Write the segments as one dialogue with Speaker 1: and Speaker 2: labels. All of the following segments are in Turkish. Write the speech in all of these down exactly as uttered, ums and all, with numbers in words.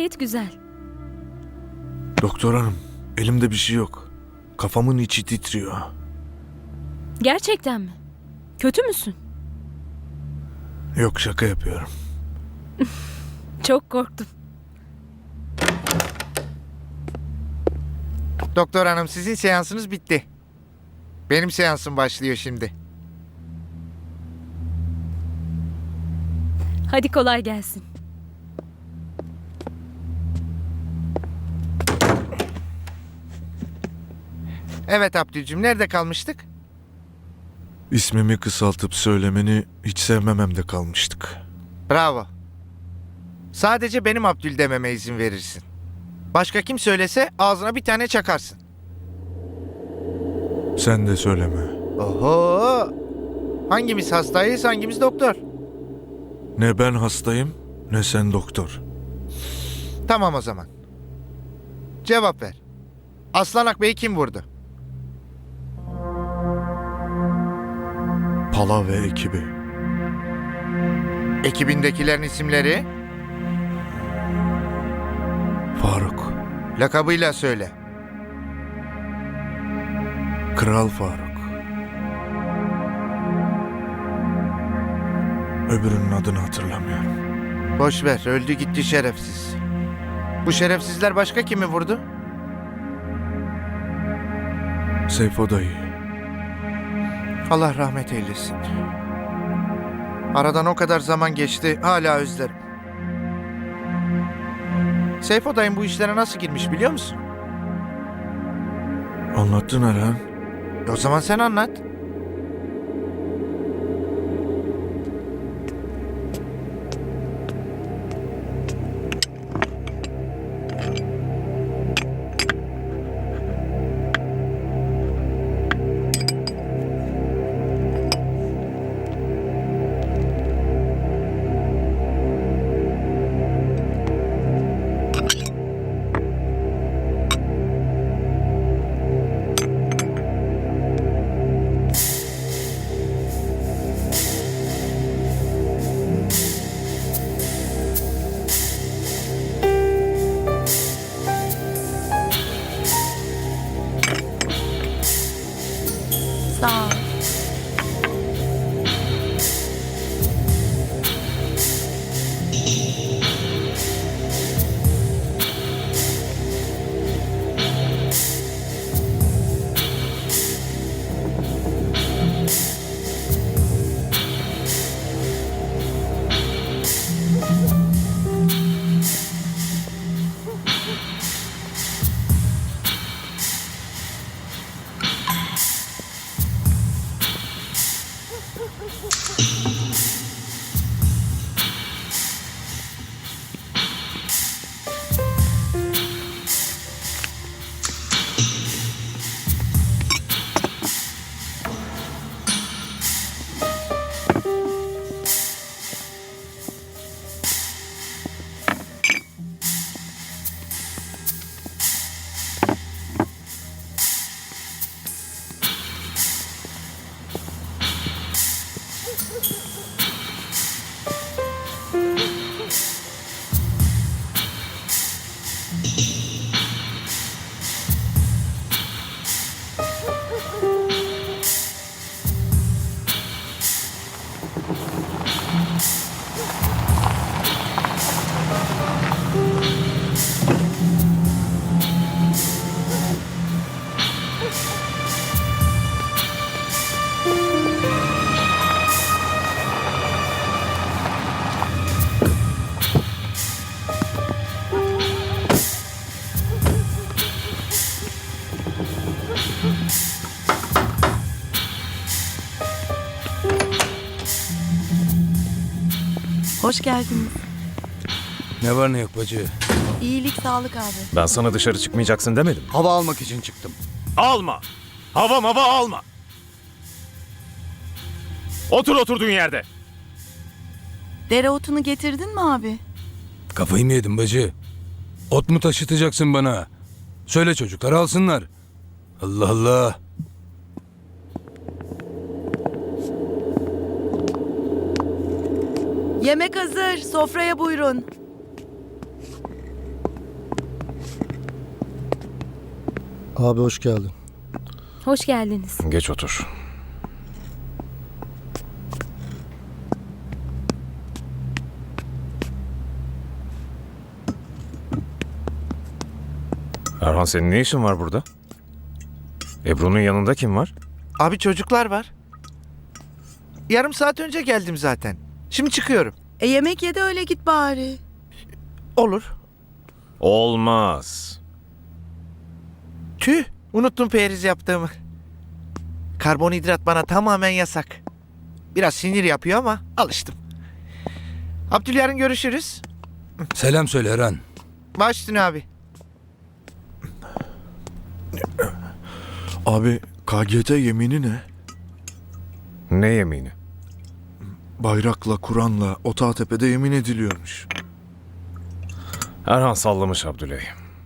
Speaker 1: gayet güzel.
Speaker 2: Doktor hanım, elimde bir şey yok. Kafamın içi titriyor.
Speaker 1: Gerçekten mi? Kötü müsün?
Speaker 2: Yok, şaka yapıyorum.
Speaker 1: Çok korktum.
Speaker 3: Doktor hanım, sizin seansınız bitti. Benim seansım başlıyor şimdi.
Speaker 1: Hadi kolay gelsin.
Speaker 3: Evet Abdülcüm, nerede kalmıştık?
Speaker 2: İsmimi kısaltıp söylemeni hiç sevmememde kalmıştık.
Speaker 3: Bravo. Sadece benim Abdül dememe izin verirsin. Başka kim söylese ağzına bir tane çakarsın.
Speaker 2: Sen de söyleme.
Speaker 3: Oho! Hangimiz hastayız, hangimiz doktor?
Speaker 2: Ne ben hastayım, ne sen doktor.
Speaker 3: Tamam o zaman. Cevap ver. Aslan Akbey'i kim vurdu?
Speaker 2: Pala ve ekibi.
Speaker 3: Ekibindekilerin isimleri?
Speaker 2: Faruk.
Speaker 3: Lakabıyla söyle.
Speaker 2: Kral Faruk. Öbürünün adını hatırlamıyorum.
Speaker 3: Boş ver, öldü gitti şerefsiz. Bu şerefsizler başka kimi vurdu?
Speaker 2: Seyfo dayı.
Speaker 3: Allah rahmet eylesin. Aradan o kadar zaman geçti, hala özlerim. Seyfo dayım bu işlere nasıl girmiş biliyor musun?
Speaker 2: Anlattın Erhan.
Speaker 3: E o zaman sen anlat.
Speaker 4: Sağ ol. Hoş geldiniz.
Speaker 5: Ne var ne yok bacı?
Speaker 4: İyilik, sağlık abi.
Speaker 6: Ben sana dışarı çıkmayacaksın demedim.
Speaker 5: Hava almak için çıktım.
Speaker 6: Alma! Hava mava alma! Otur oturduğun yerde.
Speaker 4: Dereotunu getirdin mi abi?
Speaker 5: Kafayı mı yedin bacı? Ot mu taşıtacaksın bana? Söyle çocuklar alsınlar. Allah Allah.
Speaker 4: Yemek hazır. Sofraya buyurun.
Speaker 7: Abi hoş geldin.
Speaker 1: Hoş geldiniz.
Speaker 6: Geç otur. Erhan, senin ne işin var burada? Ebru'nun yanında kim var?
Speaker 3: Abi çocuklar var. Yarım saat önce geldim zaten. Şimdi çıkıyorum.
Speaker 4: E yemek ye de öyle git bari.
Speaker 3: Olur.
Speaker 6: Olmaz.
Speaker 3: Tüh, unuttum periz yaptığımı. Karbonhidrat bana tamamen yasak. Biraz sinir yapıyor ama alıştım. Abdül, yarın görüşürüz.
Speaker 5: Selam söyle Eren.
Speaker 3: Baş üstüne abi.
Speaker 2: Abi K G T yemini ne?
Speaker 6: Ne yemini?
Speaker 2: Bayrakla, Kur'an'la Otağtepe'de yemin ediliyormuş.
Speaker 6: Erhan sallamış Abdüley.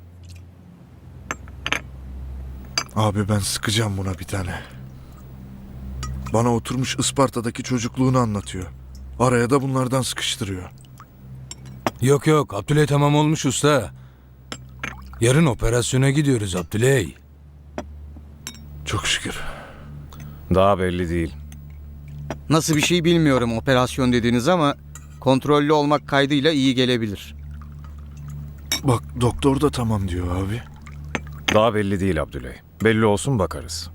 Speaker 2: Abi ben sıkacağım buna bir tane. Bana oturmuş Isparta'daki çocukluğunu anlatıyor. Araya da bunlardan sıkıştırıyor.
Speaker 5: Yok yok Abdüley tamam olmuş usta. Yarın operasyona gidiyoruz Abdüley.
Speaker 2: Çok şükür.
Speaker 6: Daha belli değil.
Speaker 8: Nasıl bir şey bilmiyorum operasyon dediğiniz ama kontrollü olmak kaydıyla iyi gelebilir.
Speaker 2: Bak doktor da tamam diyor abi.
Speaker 6: Daha belli değil Abdüley. Belli olsun bakarız.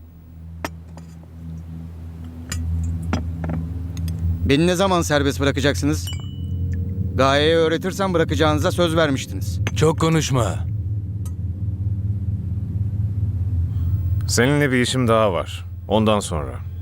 Speaker 8: Beni ne zaman serbest bırakacaksınız? Gaye'ye öğretirsem bırakacağınıza söz vermiştiniz.
Speaker 5: Çok konuşma.
Speaker 6: Seninle bir işim daha var. Ondan sonra.